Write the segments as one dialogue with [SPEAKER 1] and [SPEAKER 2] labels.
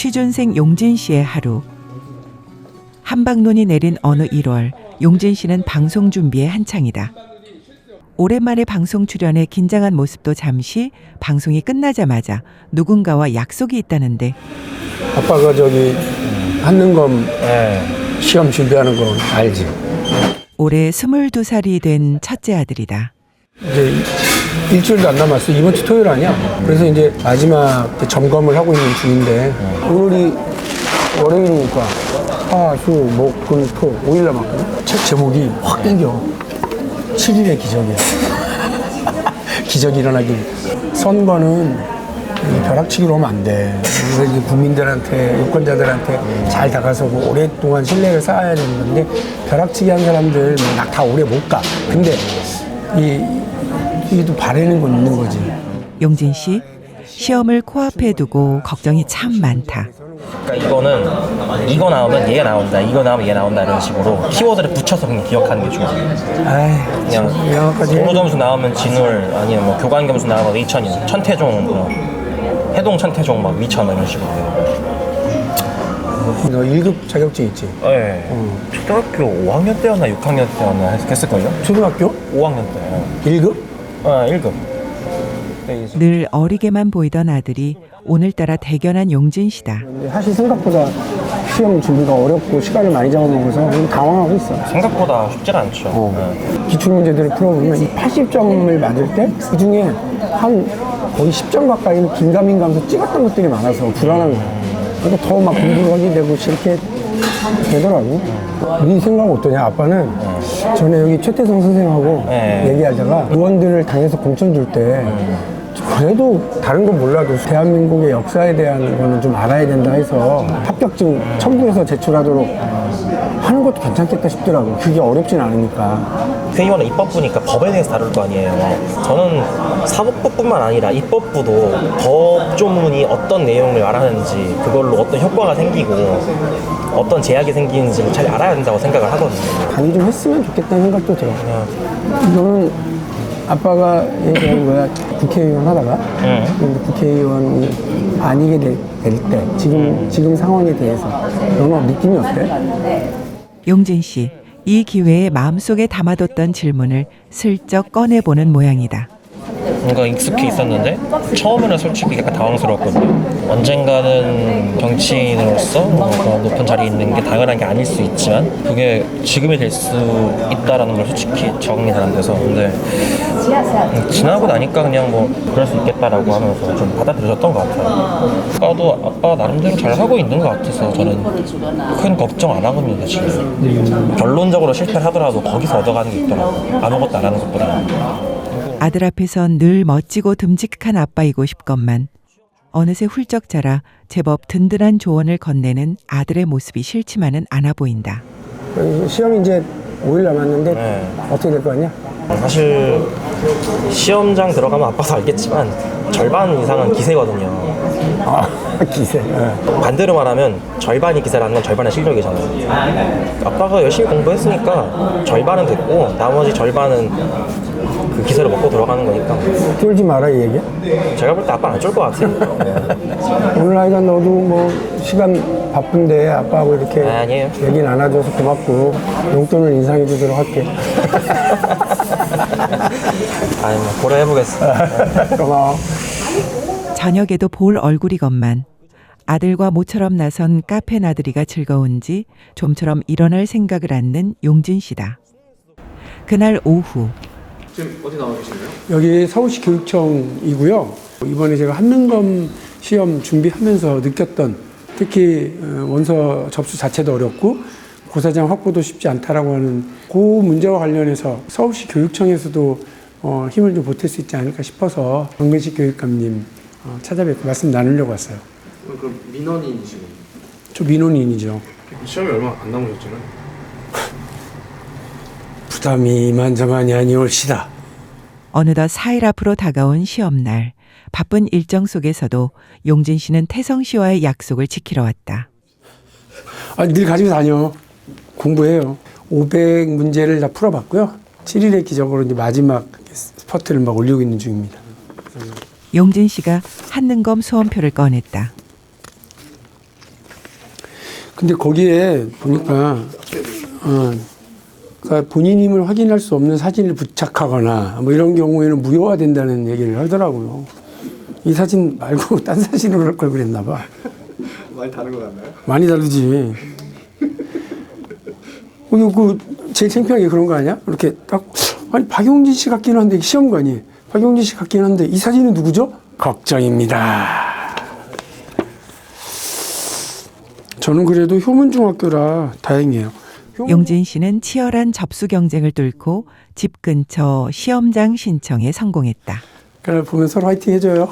[SPEAKER 1] 취준생 용진 씨의 하루. 한방눈이 내린 어느 1월, 용진 씨는 방송 준비에 한창이다. 오랜만에 방송 출연에 긴장한 모습도 잠시 방송이 끝나자마자 누군가와 약속이 있다는데.
[SPEAKER 2] 아빠가 저기 한능검 시험 준비하는 거 알지?
[SPEAKER 1] 올해 22살이 된 첫째 아들이다.
[SPEAKER 2] 이제 일주일도 안 남았어. 이번 주 토요일 아니야? 그래서 이제 마지막 점검을 하고 있는 중인데 오늘이 월요일이니까 화, 수, 목, 금, 토 5일 남았거든? 책 제목이 확 땡겨. 7일의 기적이야. 기적이 일어나길. 선거는 벼락치기로 하면 안 돼. 그래서 이제 국민들한테, 유권자들한테 잘 다가서고 오랫동안 신뢰를 쌓아야 되는 건데 벼락치기 한 사람들 다 오래 못 가. 근데 이게 또 바라는 건 있는 거지.
[SPEAKER 1] 용진 씨, 시험을 코앞에 두고 걱정이 참 많다.
[SPEAKER 3] 그러니까 이거는 이거 나오면 얘가 나온다, 이거 나오면 얘 나온다 이런 식으로 키워드를 붙여서 그냥 기억하는 게 중요해요. 그냥
[SPEAKER 2] 영어까지
[SPEAKER 3] 공부 점수 나오면 진울, 아니면 뭐 교관 점수 나오면 위천이요, 천태종, 뭐 해동 천태종 막 위천 이런 식으로.
[SPEAKER 2] 너 1급 자격증 있지?
[SPEAKER 3] 네. 초등학교 5학년 때였나 6학년 때였나 했을걸요?
[SPEAKER 2] 초등학교?
[SPEAKER 3] 5학년 때.
[SPEAKER 2] 1급?
[SPEAKER 3] 1급.
[SPEAKER 1] 늘 어리게만 보이던 아들이 오늘따라 대견한 용진 씨다.
[SPEAKER 2] 사실 생각보다 시험 준비가 어렵고 시간을 많이 잡아먹어서 좀 당황하고 있어.
[SPEAKER 3] 생각보다 쉽지가 않죠.
[SPEAKER 2] 기출문제들을 풀어보면 이 80점을 맞을 때 그중에 한 거의 10점 가까이는 긴가민가하면서 찍었던 것들이 많아서 불안한 거야. 그러니까 더 막 공부를 하게 되고 이렇게 되더라고. 네 생각 어떠냐? 아빠는 전에 여기 최태성 선생하고 얘기하다가 의원들을 당해서 공천 줄 때 그래도 다른 건 몰라도 대한민국의 역사에 대한 거는 좀 알아야 된다 해서 합격증 첨부해서 제출하도록 하는 것도 괜찮겠다 싶더라고. 그게 어렵진 않으니까.
[SPEAKER 3] 회의원은 입법부니까 법에 대해서 다룰 거 아니에요. 저는 사법부뿐만 아니라 입법부도 법조문이 어떤 내용을 말하는지, 그걸로 어떤 효과가 생기고 어떤 제약이 생기는지를 잘 알아야 된다고 생각을 하거든요.
[SPEAKER 2] 강의 좀 했으면 좋겠다는 생각도 들어. 이거는 아빠가 얘기한 거야. 국회의원 하다가 근데 국회의원이 아니게 될 때 지금 상황에 대해서 너는 느낌이 어때?
[SPEAKER 1] 용진 씨, 이 기회에 마음속에 담아뒀던 질문을 슬쩍 꺼내보는 모양이다.
[SPEAKER 3] 뭔가 익숙해 있었는데 처음에는 솔직히 약간 당황스러웠거든요. 언젠가는 정치인으로서 그런 높은 자리에 있는 게 당연한 게 아닐 수 있지만 그게 지금이 될 수 있다라는 걸 솔직히 적응이 잘 안 돼서, 근데 지나고 나니까 그냥 뭐 그럴 수 있겠다라고 하면서 좀 받아들여졌던 것 같아요. 아빠가 나름대로 잘 하고 있는 것 같아서 저는 큰 걱정 안 하거든요. 사실 결론적으로 실패를 하더라도 거기서 얻어가는 게 있더라고요. 아무것도 안 하는 것보다.
[SPEAKER 1] 아들 앞에선 늘 멋지고 듬직한 아빠이고 싶건만 어느새 훌쩍 자라 제법 든든한 조언을 건네는 아들의 모습이 싫지만은 않아 보인다.
[SPEAKER 2] 시험이 이제 5일 남았는데 어떻게 될 거 같냐?
[SPEAKER 3] 사실 시험장 들어가면 아빠도 알겠지만 절반 이상은 기세거든요.
[SPEAKER 2] 기세.
[SPEAKER 3] 반대로 말하면 절반이 기세라는 건 절반의 실력이잖아요. 아빠가 열심히 공부했으니까 절반은 됐고 나머지 절반은 그 기세를 먹고 들어가는 거니까.
[SPEAKER 2] 쫄지 마라 이 얘기야?
[SPEAKER 3] 제가 볼 때 아빠는 안 쫄 것 같아요.
[SPEAKER 2] 오늘 하여간 너도 뭐 시간 바쁜데 아빠하고 이렇게
[SPEAKER 3] 아니에요.
[SPEAKER 2] 얘기 나눠줘서 고맙고 용돈을 인상해 주도록 할게.
[SPEAKER 3] 아니 뭐 고려해보겠습니다.
[SPEAKER 2] 고마워.
[SPEAKER 1] 저녁에도 볼 얼굴이건만 아들과 모처럼 나선 카페 나들이가 즐거운지 좀처럼 일어날 생각을 않는 용진 씨다. 그날 오후.
[SPEAKER 4] 지금 어디 나와 계시나요?
[SPEAKER 2] 여기 서울시 교육청이고요. 이번에 제가 한능검 시험 준비하면서 느꼈던 특히 원서 접수 자체도 어렵고 고사장 확보도 쉽지 않다라고 하는 그 문제와 관련해서 서울시 교육청에서도 힘을 좀 보탤 수 있지 않을까 싶어서 정근식 교육감님 찾아뵙고 말씀 나누려고 왔어요.
[SPEAKER 4] 그럼 민원인이시군요.
[SPEAKER 2] 저 민원인이죠.
[SPEAKER 4] 시험이 얼마 안 남으셨잖아요.
[SPEAKER 2] 부담이 이만저만이 아니올시다.
[SPEAKER 1] 어느덧 4일 앞으로 다가온 시험날. 바쁜 일정 속에서도 용진 씨는 태성 씨와의 약속을 지키러 왔다.
[SPEAKER 2] 늘 가지고 다녀. 공부해요. 500문제를 다 풀어봤고요. 7일의 기적으로 이제 마지막 스퍼트를 막 올리고 있는 중입니다.
[SPEAKER 1] 용진 씨가 한능검 수험표를 꺼냈다.
[SPEAKER 2] 근데 거기에 보니까 그러니까 본인임을 확인할 수 없는 사진을 부착하거나 뭐 이런 경우에는 무효화된다는 얘기를 하더라고요. 이 사진 말고 딴 사진으로 할 걸 그랬나 봐.
[SPEAKER 4] 많이 다른 거 같나요?
[SPEAKER 2] 많이 다르지. 그 제일 창피한 게 그런 거 아니야? 이렇게 딱 아니 박용진 씨 같긴 한데 시험관이 박용진 씨 같긴 한데 이 사진은 누구죠? 걱정입니다. 저는 그래도 효문중학교라 다행이에요.
[SPEAKER 1] 용진 씨는 치열한 접수 경쟁을 뚫고 집 근처 시험장 신청에 성공했다.
[SPEAKER 2] 그래 보면 서로 화이팅 해줘요.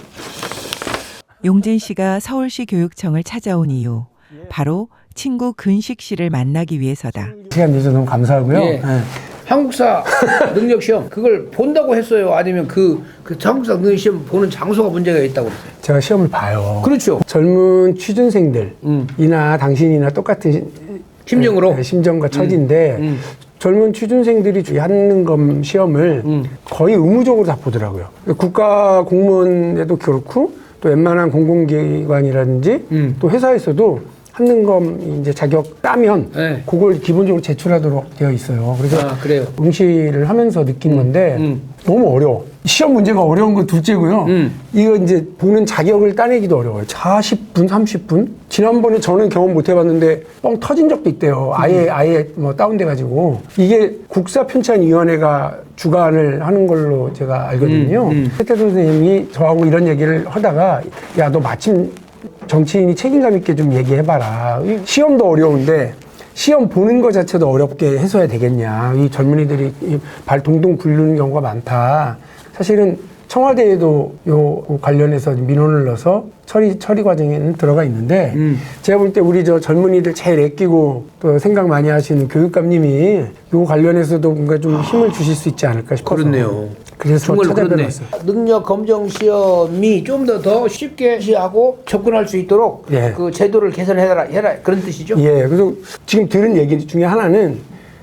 [SPEAKER 1] 용진 씨가 서울시 교육청을 찾아온 이유, 바로 친구 근식 씨를 만나기 위해서다.
[SPEAKER 2] 시간 내줘서 너무 감사하고요.
[SPEAKER 5] 예.
[SPEAKER 2] 네.
[SPEAKER 5] 한국사 능력 시험 그걸 본다고 했어요? 아니면 그 한국사 능력 시험 보는 장소가 문제가 있다고 그랬어요?
[SPEAKER 2] 제가 시험을 봐요.
[SPEAKER 5] 그렇죠.
[SPEAKER 2] 젊은 취준생들이나 당신이나 똑같은
[SPEAKER 5] 심정으로?
[SPEAKER 2] 심정과 처지인데 젊은 취준생들이 하는 검 시험을 거의 의무적으로 다 보더라고요. 국가 공무원에도 그렇고 또 웬만한 공공기관이라든지 또 회사에서도 한능검 이제 자격 따면
[SPEAKER 5] 네.
[SPEAKER 2] 그걸 기본적으로 제출하도록 되어 있어요. 그래서
[SPEAKER 5] 그래요.
[SPEAKER 2] 응시를 하면서 느낀 건데 너무 어려워. 시험 문제가 어려운 건 둘째고요. 이거 이제 보는 자격을 따내기도 어려워요. 40분, 30분? 지난번에 저는 경험 못 해봤는데 뻥 터진 적도 있대요. 아예 뭐 다운돼가지고. 이게 국사편찬위원회가 주관을 하는 걸로 제가 알거든요. 최태 선생님이 저하고 이런 얘기를 하다가 야, 너 마침 정치인이 책임감 있게 좀 얘기해봐라. 시험도 어려운데 시험 보는 것 자체도 어렵게 해서야 되겠냐. 이 젊은이들이 발 동동 굴르는 경우가 많다. 사실은 청와대에도 요 관련해서 민원을 넣어서 처리 과정에는 들어가 있는데 제가 볼 때 우리 저 젊은이들 제일 아끼고 또 생각 많이 하시는 교육감님이 요 관련해서도 뭔가 좀 힘을 주실 수 있지 않을까 싶어서.
[SPEAKER 5] 그렇네요.
[SPEAKER 2] 그래서
[SPEAKER 5] 정말 그렇네.
[SPEAKER 2] 찾아뵈봤어요.
[SPEAKER 5] 능력 검정 시험이 좀 더 쉽게 하고 접근할 수 있도록
[SPEAKER 2] 예.
[SPEAKER 5] 그 제도를 개선해라 그런 뜻이죠?
[SPEAKER 2] 예, 그래서 지금 들은 얘기 중에 하나는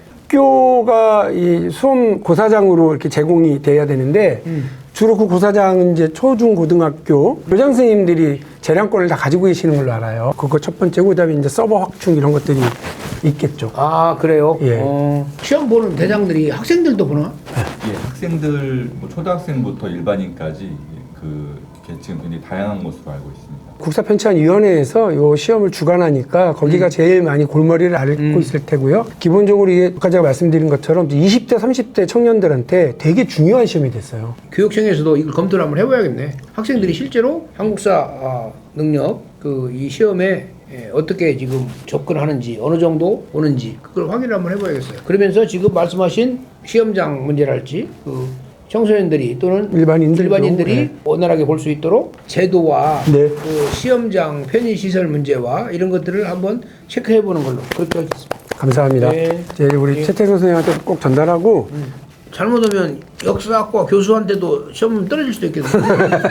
[SPEAKER 2] 학교가 이 수험 고사장으로 이렇게 제공이 돼야 되는데 주로 그 고사장은 이제 초중 고등학교 교장 선생님들이 재량권을 다 가지고 계시는 걸로 알아요. 그거 첫 번째고 그다음에 이제 서버 확충 이런 것들이 있겠죠.
[SPEAKER 5] 아 그래요?
[SPEAKER 2] 예.
[SPEAKER 5] 시험 보는 대장들이 학생들도 보나?
[SPEAKER 6] 예, 학생들 뭐 초등학생부터 일반인까지 그 계층 굉장히 다양한 것으로 알고 있습니다.
[SPEAKER 2] 국사편찬위원회에서 요 시험을 주관하니까 거기가 제일 많이 골머리를 앓고 있을 테고요. 기본적으로 이게 아까 제가 말씀드린 것처럼 20대, 30대 청년들한테 되게 중요한 시험이 됐어요.
[SPEAKER 5] 교육청에서도 이걸 검토를 한번 해봐야겠네. 학생들이 실제로 한국사 능력 이 시험에 어떻게 지금 접근하는지 어느 정도 오는지 그걸 확인을 한번 해봐야겠어요. 그러면서 지금 말씀하신 시험장 문제랄지 청소년들이 또는 일반인들이
[SPEAKER 2] 네.
[SPEAKER 5] 원활하게 볼 수 있도록 제도와
[SPEAKER 2] 네.
[SPEAKER 5] 그 시험장 편의시설 문제와 이런 것들을 한번 체크해보는 걸로 그렇게 하겠습니다.
[SPEAKER 2] 감사합니다.
[SPEAKER 5] 네.
[SPEAKER 2] 이제 우리 최태성 선생님한테 꼭 전달하고
[SPEAKER 5] 잘못하면 역사학과 교수한테도 시험 떨어질 수도 있겠네요.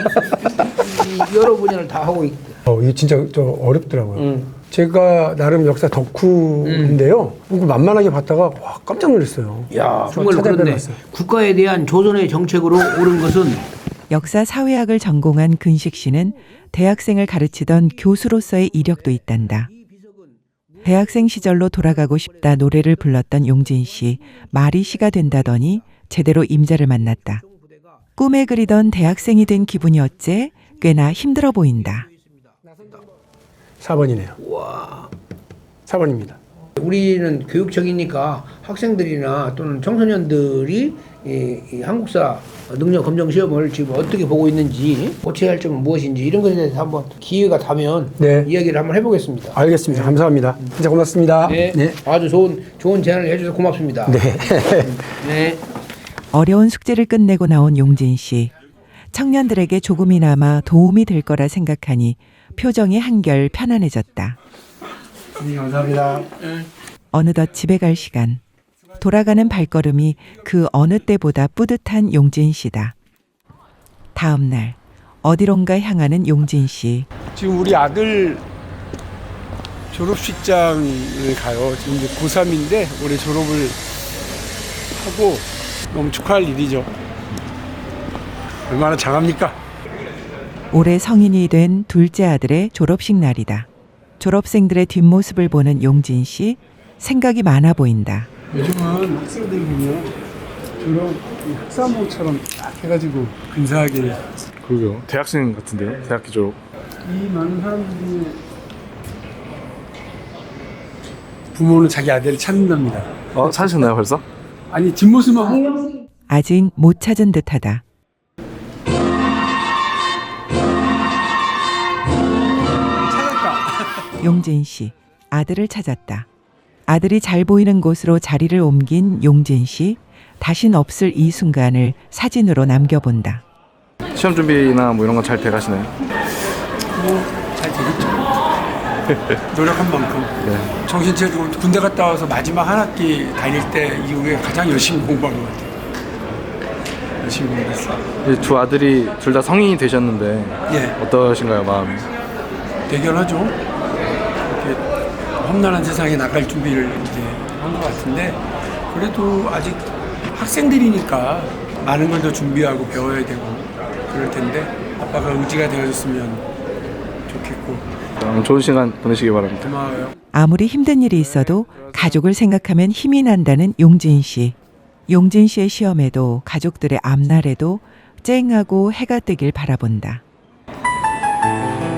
[SPEAKER 5] 여러 분야를 다 하고 있기
[SPEAKER 2] 이게 진짜 어렵더라고요. 제가 나름 역사 덕후인데요. 그거 만만하게 봤다가 와, 깜짝 놀랐어요.
[SPEAKER 5] 야, 정말 그렇네.
[SPEAKER 2] 찾아뵈봤어요.
[SPEAKER 5] 국가에 대한 조선의 정책으로 옳은 것은
[SPEAKER 1] 역사 사회학을 전공한 근식 씨는 대학생을 가르치던 교수로서의 이력도 있단다. 대학생 시절로 돌아가고 싶다 노래를 불렀던 용진 씨, 말이 시가 된다더니 제대로 임자를 만났다. 꿈에 그리던 대학생이 된 기분이 어째 꽤나 힘들어 보인다.
[SPEAKER 2] 4번이네요.
[SPEAKER 5] 와.
[SPEAKER 2] 4번입니다.
[SPEAKER 5] 우리는 교육청이니까 학생들이나 또는 청소년들이 이 한국사 능력 검정 시험을 지금 어떻게 보고 있는지 고쳐야 할 점은 무엇인지 이런 것에 대해서 한번 기회가 되면
[SPEAKER 2] 네.
[SPEAKER 5] 이야기를 한번 해보겠습니다.
[SPEAKER 2] 알겠습니다. 감사합니다. 진짜 고맙습니다.
[SPEAKER 5] 네. 아주 좋은 제안을 해주셔서 고맙습니다.
[SPEAKER 2] 네.
[SPEAKER 5] 네.
[SPEAKER 1] 어려운 숙제를 끝내고 나온 용진 씨. 청년들에게 조금이나마 도움이 될 거라 생각하니 표정이 한결 편안해졌다.
[SPEAKER 2] 네, 감사합니다.
[SPEAKER 1] 어느덧 집에 갈 시간. 돌아가는 발걸음이 그 어느 때보다 뿌듯한 용진 씨다. 다음 날 어디론가 향하는 용진 씨.
[SPEAKER 2] 지금 우리 아들 졸업식장을 가요. 지금 이제 고3인데 올해 졸업을 하고 너무 축하할 일이죠. 얼마나 장합니까?
[SPEAKER 1] 올해 성인이 된 둘째 아들의 졸업식 날이다. 졸업생들의 뒷모습을 보는 용진 씨, 생각이 많아 보인다.
[SPEAKER 7] 요즘은 학생들 보면 졸업 학사모처럼 딱 해가지고 근사하게
[SPEAKER 8] 그러게요. 대학생 같은데요? 대학교 졸업.
[SPEAKER 7] 이 많은 사람들이 부모는 자기 아들을 찾는답니다.
[SPEAKER 8] 찾으셨나요 벌써?
[SPEAKER 7] 아니 뒷모습만 보고
[SPEAKER 1] 아직 못 찾은 듯하다.
[SPEAKER 7] 찾았다.
[SPEAKER 1] 용진 씨, 아들을 찾았다. 아들이 잘 보이는 곳으로 자리를 옮긴 용진 씨, 다신 없을 이 순간을 사진으로 남겨본다.
[SPEAKER 8] 시험 준비나 뭐 이런 건 잘 돼가시나요?
[SPEAKER 7] 잘 되겠죠. 노력한 만큼. 정신체적으로 군대 갔다 와서 마지막 한 학기 다닐 때 이후에 가장 열심히 공부한 것 같아요. 열심히 공부했어요.
[SPEAKER 8] 두 아들이 둘 다 성인이 되셨는데
[SPEAKER 7] 예.
[SPEAKER 8] 어떠신가요 마음이?
[SPEAKER 7] 대견하죠. 이렇게 험난한 세상에 나갈 준비를 이제 한 것 같은데 그래도 아직 학생들이니까 많은 걸 더 준비하고 배워야 되고 그럴 텐데 아빠가 의지가 되어줬으면 좋겠고
[SPEAKER 8] 좋은 시간 보내시기 바랍니다.
[SPEAKER 7] 고마워요.
[SPEAKER 1] 아무리 힘든 일이 있어도 가족을 생각하면 힘이 난다는 용진 씨. 용진 씨의 시험에도 가족들의 앞날에도 쨍하고 해가 뜨길 바라본다.